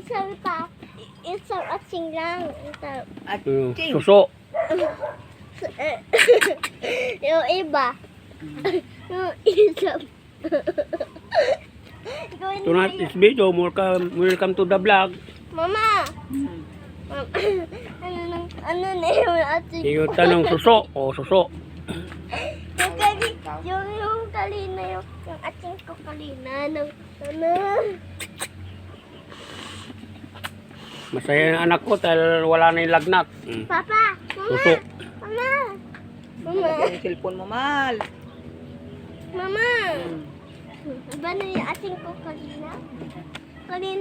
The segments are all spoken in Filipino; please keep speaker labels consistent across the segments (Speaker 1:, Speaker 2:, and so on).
Speaker 1: isang isang atsing lang.
Speaker 2: At
Speaker 3: Suso.
Speaker 1: Yung iba. Yung isang. Gawin mo
Speaker 3: Tonight
Speaker 1: yun.
Speaker 3: is video. Welcome to the vlog.
Speaker 1: Mama! Ano na yung atsing
Speaker 3: Yung tanong suso. O suso.
Speaker 1: yung kalina, yung atsing ko kalina. Ano?
Speaker 3: Masaya ang anak ko dahil wala na yung lagnat.
Speaker 1: Papa! Mama!
Speaker 3: Suso.
Speaker 1: Mama! Mama!
Speaker 2: yung cellphone mo, mahal.
Speaker 1: Mama! Iba na yung ating ko kanina? Kanina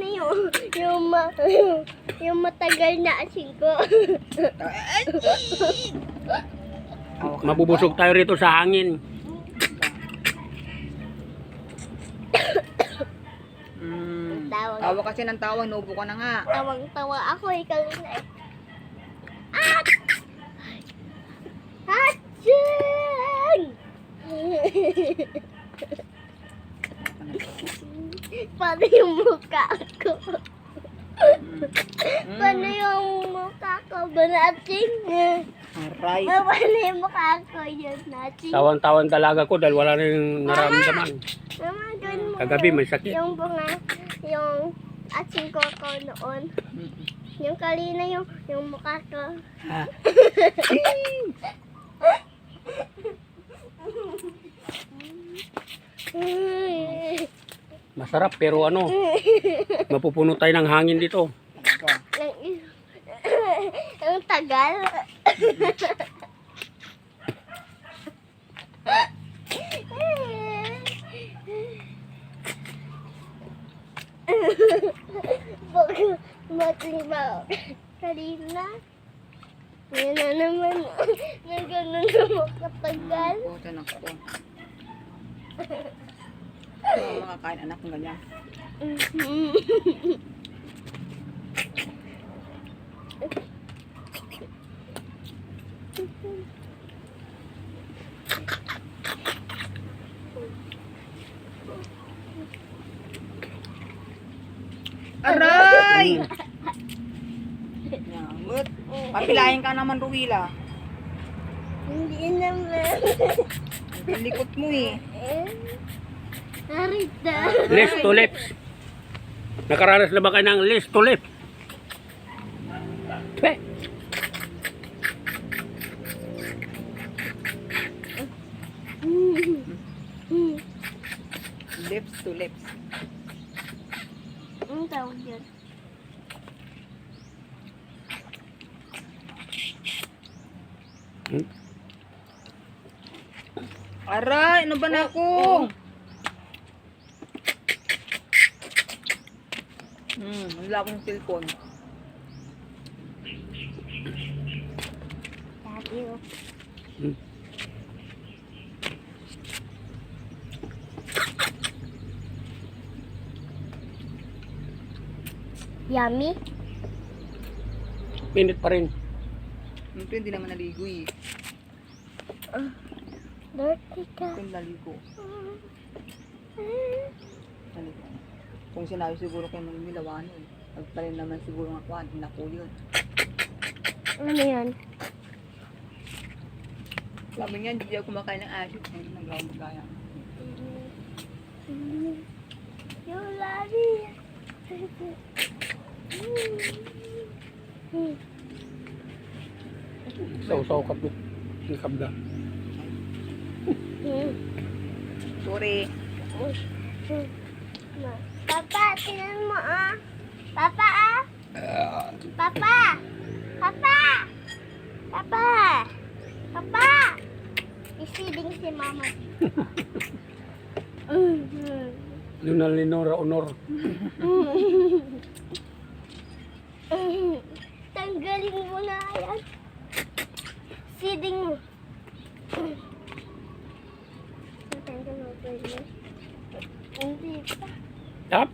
Speaker 1: yung matagal na ating ko.
Speaker 3: Mabubusog tayo rito sa hangin.
Speaker 2: Tawa kasi ng tawa, inubo ka na nga.
Speaker 1: Tawang-tawa ako kanina eh. At! Hatching! Paano yung mukha ko? Paano yung mukha ko? Banating?
Speaker 2: Aray.
Speaker 1: Paano yung mukha ko yun? Nating?
Speaker 3: Tawan-tawan talaga ko dahil wala na yung naramdaman.
Speaker 1: Mama, gawin mo.
Speaker 3: Kagabi may sakit.
Speaker 1: Yung bunga, yung ating ko noon. Yung kalina yung mukha ko.
Speaker 2: Ha?
Speaker 3: Masarap pero ano, mapupuno tayo ng hangin dito.
Speaker 1: Ang tagal. Matibag. Kanina. Yan na naman. Na ganun na makatagal.
Speaker 2: Puta na ko. Makakain anak ng ganyan. Aray! Yamot. Papilahin ka naman, Ruwila.
Speaker 1: Hindi naman.
Speaker 2: Ang likot mo eh.
Speaker 1: Narita.
Speaker 3: Lips to lips. Nakaranas na ba kayo ng lips to lips? Twe.
Speaker 2: Lips to lips.
Speaker 1: Ang tawag yun.
Speaker 2: Aray, ano ba na ako? Wala akong cellphone.
Speaker 1: Thank you. Yummy?
Speaker 3: Pinit pa rin.
Speaker 2: Ito hindi naman naligo eh.
Speaker 1: Dirty ka.
Speaker 2: Ito yung naligo. Naligo. Kung sinabi siguro kayo ng milawan eh. Pagparin naman siguro ng kwan. Naku yun.
Speaker 1: Ano yan?
Speaker 2: Sabi niya, hindi ako kumakain ng asin. Hindi nag-gawang magkaya.
Speaker 1: Yung lari.
Speaker 3: Saw-saw ka po. Kabda.
Speaker 2: Sorry.
Speaker 1: Papa, tingnan mo ah. Papa ah. Papa. Papa. Papa. Papa. Isiding si mama.
Speaker 3: Lunal ni Nora Honor.
Speaker 1: Tanggalin mo na yan. Siding mo. Tanggal mo pa yun. Hindi pa.
Speaker 3: Tap.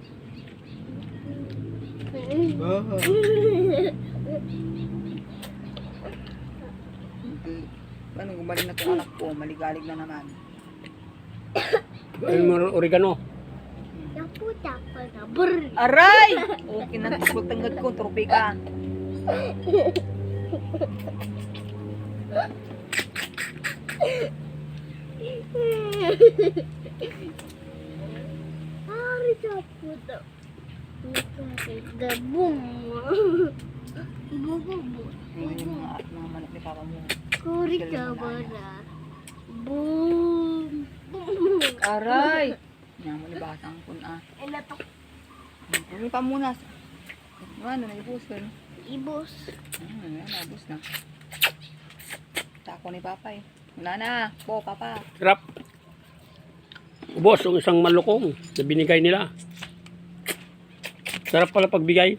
Speaker 2: Ano, gumaling na itong anak ko. Maligalig na naman.
Speaker 3: Ayun mo oregano.
Speaker 1: Naputa ko talaga. Brr.
Speaker 2: Aray! Okay na, tikot tanggad ko, tropi ka.
Speaker 1: Ari sa puto. The boom.
Speaker 2: Hindi yung mga manok ni Papa mo.
Speaker 1: Kuri ka bara. Boom. Boom.
Speaker 2: Aray! Yan mo nibasang kun ah.
Speaker 1: Ela to
Speaker 2: Ano pa muna? Ano, naibus ka no?
Speaker 1: ibos.
Speaker 2: Yan, nabus na. Tako ni Papa eh. Wala na. Po, Papa.
Speaker 3: Sarap. Ubos yung isang malukong na binigay nila. Sarap pala pagbigay.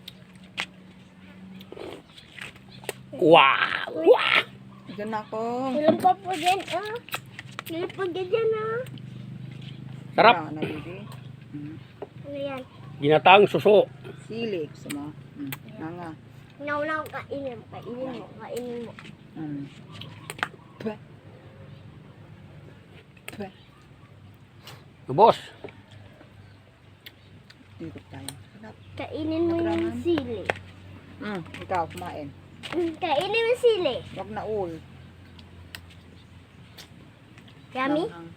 Speaker 3: Wow! Wow!
Speaker 2: Diyan na ako.
Speaker 1: Ilan pa po dyan Ilan pa dyan
Speaker 3: Sarap.
Speaker 2: Ah, nabili.
Speaker 1: Ano yan?
Speaker 3: Ginataang suso.
Speaker 2: Silik. Sama. Nanga.
Speaker 1: Nauna ko kainin mo. Kainin mo.
Speaker 2: Pwe. Pwe.
Speaker 3: Ubos.
Speaker 2: Dito tayo. Sarap.
Speaker 1: Kainin mo yung sili.
Speaker 2: Ikaw, kumain.
Speaker 1: Kainin mo yung sili.
Speaker 2: Wag na ul.
Speaker 1: Yummy?
Speaker 2: Langhang.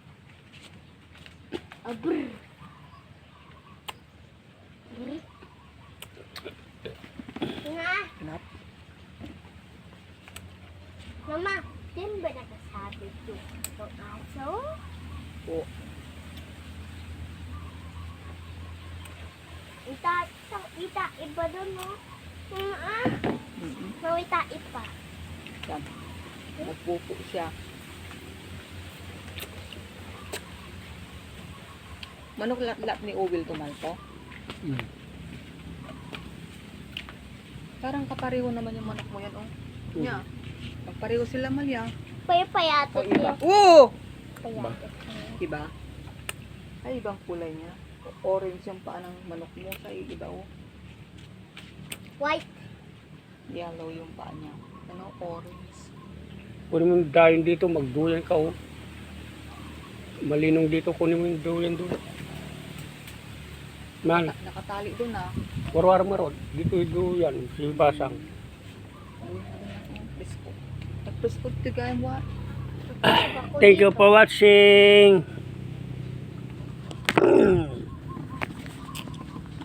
Speaker 1: Brr. Brr. Nga.
Speaker 2: Sarap.
Speaker 1: Mama, din ba nakasabi ito? Itong aso?
Speaker 2: Po.
Speaker 1: Ita, iba doon, no?
Speaker 2: Mm-mm.
Speaker 1: Mawita, ipa.
Speaker 2: Yan. Nagpupo siya. Manok lat-lat ni Owil tumalpo. Parang kapareho naman yung manok mo yan, oh. Nya. Magpareho sila malya. O
Speaker 1: Payatot
Speaker 2: iba.
Speaker 1: niya.
Speaker 2: Oo!
Speaker 1: Payatot niya.
Speaker 2: Iba? Ay, ibang kulay niya. Orange yung paa ng manok mo. Sa iba, oh.
Speaker 1: White.
Speaker 2: Yellow yung paa niya. Ano? Orange.
Speaker 3: Kunin mo yung dayon dito, magduyan ka oh. Malinong dito, kunin mo yung duyan doon. Man,
Speaker 2: Nakatali doon, ah.
Speaker 3: warwar marod. Dito yung duyan, si Basang.
Speaker 2: Presko. Nagpresko tigay mo, ah.
Speaker 3: Thank you for watching.